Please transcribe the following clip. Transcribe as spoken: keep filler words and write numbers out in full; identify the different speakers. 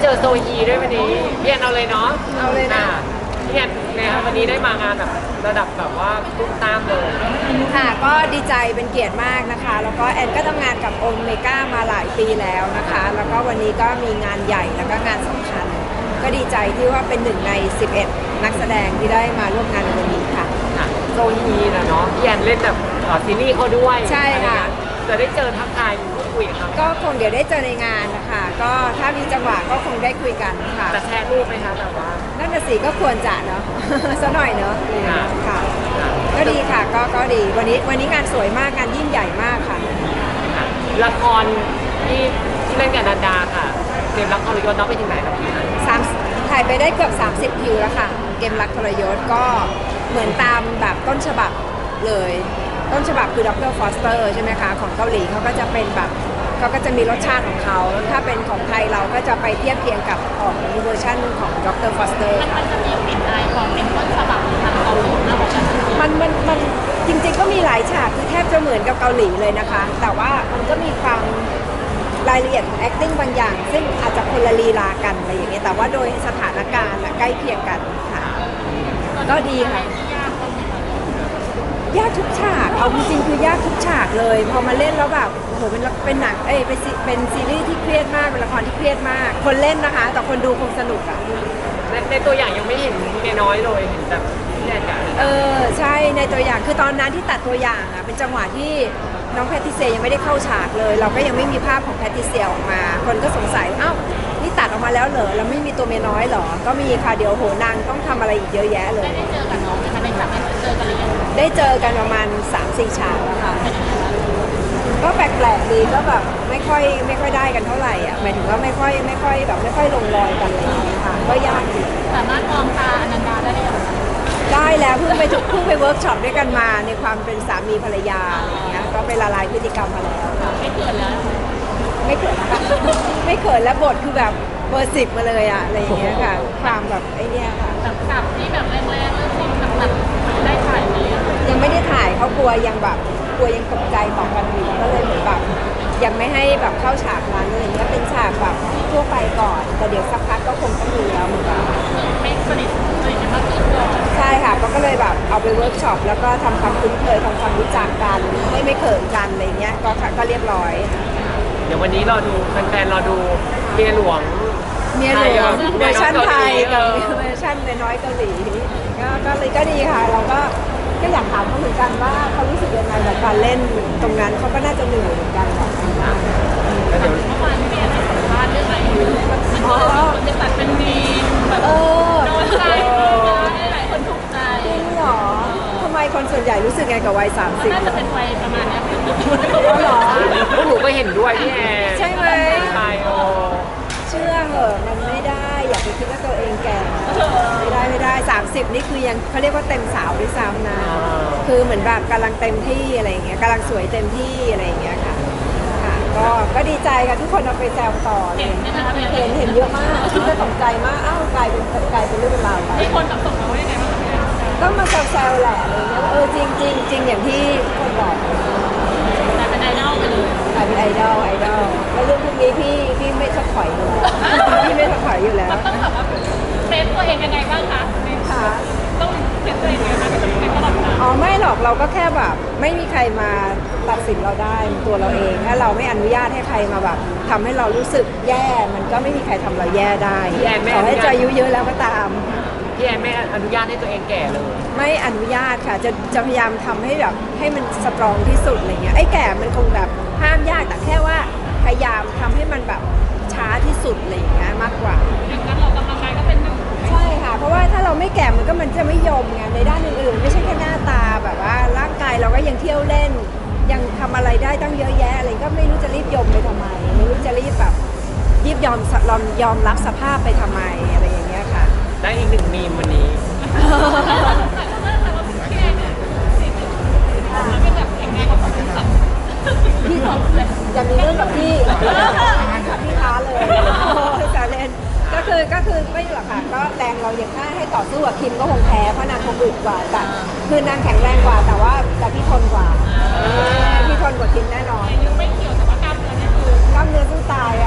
Speaker 1: เจอโซฮีด้วยวันนี้พี่แอนเอาเลยเนาะ
Speaker 2: เอาเลยนะ
Speaker 1: พี่แอนนะคะวันนี้ได้มางานแบบระดับแบบว่าตุ้มตามเลย
Speaker 2: ค่ะก็ดีใจเป็นเกียรติมากนะคะแล้วก็แอนก็ทำงานกับโอเมก้ามาหลายปีแล้วนะคะแล้วก็วันนี้ก็มีงานใหญ่แล้วก็งานสำคัญก็ดีใจที่ว่าเป็นหนึ่งในสิบเอ็ดนักแสดงที่ได้มาร่วมงานในวันนี้ค่ะ
Speaker 1: โซฮีนะเนาะพี่แอนเล่นแบบซีรีส์เขาด้วย
Speaker 2: ใช่ค่ะ
Speaker 1: จะได้เจอทักทายพูดคุยกับเขา
Speaker 2: ก็คงเดี๋ยวได้เจอในงานนะคะก็ถ้ามีจังหวะก็คงได้คุยกันค่ะ
Speaker 1: จะแชร์รูปไหมคะแบบว่า
Speaker 2: นั่นน่ะสิก็ควรจะเนาะซะหน่อยเนาะค่ะก็ดีค่ะก็ก็ดีวันนี้วันนี้งานสวยมากงานยิ่งใหญ่มากค่ะ
Speaker 1: ละครที่ที่เล่นกับนันดาค่ะเกมรักทรยศน้องไปถึงไหนแล้วพี่
Speaker 2: สามถ่ายไปได้เกือบสามสิบคิวแล้วค่ะเกมรักทรยศก็เหมือนตามแบบต้นฉบับเลยต้นฉบับคือดร.ฟอสเตอร์ใช่ไหมคะของเกาหลีเขาก็จะเป็นแบบเขาก็จะมีรสชาติของเขาถ้าเป็นของไทยเราก็จะไปเทียบเคียงกับของเวอร์ชันของดร.ฟอสเตอร์
Speaker 3: มันจะมีกลิ่นอายของเป็นต้นฉบับทางเกาหลีมากกว่ากัน
Speaker 2: มันมันมันจริงๆก็มีหลายฉากที่แทบจะเหมือนกับเกาหลีเลยนะคะแต่ว่ามันก็มีความรายละเอียดของ acting บางอย่างซึ่งอาจจะคนละลีลากันอะไรอย่างเงี้ยแต่ว่าโดยสถานการณ์ใกล้เคียงกันค่ะก็ดีค่ะยากทุกฉากเอาจริงๆคือยากทุกฉากเลยพอมาเล่นแล้วแบบโอ้โหเป็นเป็นหนังเอ้ยเป็นเป็นซีรีส์ที่เครียดมากเป็นละครที่เครียดมากคนเล่นนะคะแต่คนดูคงสนุกอะ
Speaker 1: ในในตัวอย่างยังไม่เห็นเมียน้อยเลยเห็นแต่พี่แอนกัน
Speaker 2: เออใช่ในตัวอย่างคือตอนนั้นที่ตัดตัวอย่างอะเป็นจังหวะที่น้องแพทริเซียยังไม่ได้เข้าฉากเลยเราก็ยังไม่มีภาพของแพทริเซียออกมาคนก็สงสัยอ้าวนี่ตัดออกมาแล้วเหรอเราไม่มีตัวเมียน้อยเหรอก็มีค่ะเดี๋ยวโหนางต้องทำอะไรอีกเยอะแยะเลย
Speaker 3: ได้เจอกับน้องไหมคะได้จับได้เจอกันหรือยัง
Speaker 2: ได้เจอกันประมาณ สามสี่ ฉากแล้วค่ะก็แปลกๆดีก็แบบไม่ค่อยไม่ค่อยได้กันเท่าไหร่อ่ะหมายถึงว่าไม่ค่อยไม่ค่อยแบบไม่ค่อยลงรอยกันอะไรอย่างเงี้ยค่ะก็ยากดี
Speaker 3: สามารถมองตาอนันดาได้ไหม
Speaker 2: ได้แล้วเพิ่งไปเพิ่งไปเวิร์กช็อปด้วยกันมาในความเป็นสามีภรรยาอะไรอย่างเงี้ยก็ไปละลายพฤติกรรมมาแล้วค่ะ
Speaker 3: ไม่เกิดแล้ว
Speaker 2: ไม่เกิดนะคะไม่เกิดแล้วบทคือแบบเบอร์สิบมาเลยอะอะไรอย่างเงี้ยค่ะความแบบไอ้นี่ค่ะ
Speaker 3: แบบขับที่แบบแรงๆเรื่องสิ่งหนักๆได้ถ่ายไหม
Speaker 2: ยังไม่ได้ถ่ายเขากลัวยังแบบกลัวยังตกใจต่อกันอยู่ก็เลยเหมือนแบบยังไม่ให้แบบเข้าฉากนั้นอะไรเงี้ยเป็นฉากแบบทั่วไปก่อนแต่เดี๋ยวสักพักก็คงต้องมีแล้วเหมือนกัน
Speaker 3: ไม่สนิทสนิทกันมากขึ้นก่อน
Speaker 2: ใช่ค่ะก็เลยแบบเอาไปเวิร์กช็อปแล้วก็ทำความคุ้นเคยทำความรู้จักกันให้ไม่เขินกันอะไรเงี้ยก็ก็เรียบร้อย
Speaker 1: เดี๋ยววันนี้เราดูแฟนๆเราดูเมียหลวง
Speaker 2: เมียหลวงเวอร์ชันไทยกับเวอร์ชันน้อยเกาหลีก็ก็เลยก็ดีค่ะเราก็ก็อยากถามเขาเหมือนกันว่าเขารู้สึกยังไงกับการเล่นตรงนั้นเขาก็น่าจะเหนื่อยเหมือนกันแหละ
Speaker 3: เมื่อวานพี่เบียร์ให้สัมภาษณ์เรื่องอะไรอยู่มันก็คนจะตัดเป็นดีแบบโดนใจหลายคนถูกใจ
Speaker 2: จริงเหรอทำไมคนส่วนใหญ่รู้สึกไงกับวัยสามสิบ
Speaker 3: น่าจะเป็นวัยประมาณนี้
Speaker 2: เขาหรอ
Speaker 1: หนูก็เห็นด้วยพี่แอน
Speaker 2: ใช่ไหม
Speaker 1: ใช่โอ
Speaker 2: เชื่อเหอะมันไม่ได้อย่าไปคิดว่าตัวเองแก่ไม่ได้ไม่ได้สามสิบนี่คือยังเขาเรียกว่าเต็มสาวด้วยซ้ำนะคือเหมือนแบบกำลังเต็มที่อะไรอย่างเงี้ยกำลังสวยเต็มที่อะไรอย่างเงี้ยค่ะค่ะก็ก็ดีใจค่ะทุกคนเอาไปแซวต่อเลยเห็นเห็นเยอะมากที่จะตกใจมากอ้าวกลายเป็นกลายเป็นเรื่องราวไป
Speaker 3: ที่คนแบบส่งมาว่ายังไงบ้าง
Speaker 2: ก็มาแซวๆแหละอะไรเงี้ยเออจริงจริงจริงอย่างที่คนบอก
Speaker 3: แต่เป็นไอดอลไปเลย
Speaker 2: กลายเป็นไอดอลไอดอลแล้วเรื่องพวกนี้พี่พี่ไม่ถอยเลยพี่ไม่ถอยอยู่แล้ว
Speaker 3: ต้องแบบว่าเซฟตัวเองยังไงบ้างคะ
Speaker 2: ค่ะ
Speaker 3: ต้องเซฟตัวเองยังไงบ้างในตลอดเวลา
Speaker 2: อ๋อไม่หรอกเราก็แค่แบบไม่มีใครมาตัดสินเราได้ตัวเราเองถ้าเราไม่อนุญาตให้ใครมาแบบทำให้เรารู้สึกแย่มันก็ไม่มีใครทำเราแย่ได้ขอให้ใจอายุเยอะแล้วก็ตาม
Speaker 1: พี่แอนไม่อนุญาตให้ตัวเองแก่เลย
Speaker 2: ไม่อนุญาตค่ะจะจะพยายามทำให้แบบให้มันสตรองที่สุดอะไรเงี้ยไอ้แก่มันคงแบบห้ามยากแต่แค่ว่าพยายามทำให้มันแบบช้าที่สุดอะไรอย่างเงี้ยมากกว่า
Speaker 3: อย่างนั้นเรากำลังกายก็เป็นหนึ่ง
Speaker 2: ใช่ค่ะเพราะว่าถ้าเราไม่แก่มันก็มันจะไม่ยมไงในด้านอื่นๆไม่ใช่แค่หน้าตาแบบว่าร่างกายเราก็ยังเที่ยวเล่นยังทำอะไรได้ตั้งเยอะแยะอะไรก็ไม่รู้จะรีบยมไปทำไมไม่รู้จะรีบแบบรีบยอมยอมยอมรับสภาพไปทำไมอะไรอย่างเงี้ยค่ะ
Speaker 1: ได้อีกหนึ่งมีมวันนี้
Speaker 2: พี่อย่ามีเรื่องกับพี่พี่ท้าเลยแซวเล่นก็คือก็คือไม่หรอกค่ะก็แรงเราอย่างถ้าให้ต่อสู้กับคิมก็คงแพ้เพราะนางคงอึดกว่าแต่คือนางแข็งแรงกว่าแต่ว่าแต่พี่ทนกว่าพี่ทนกว่าคิมแน่นอน
Speaker 3: ไม่เกี่ยวแต่ว่ากล้ามเนื้อนี่คือก
Speaker 2: ล้ามเนื้อสู้ตาย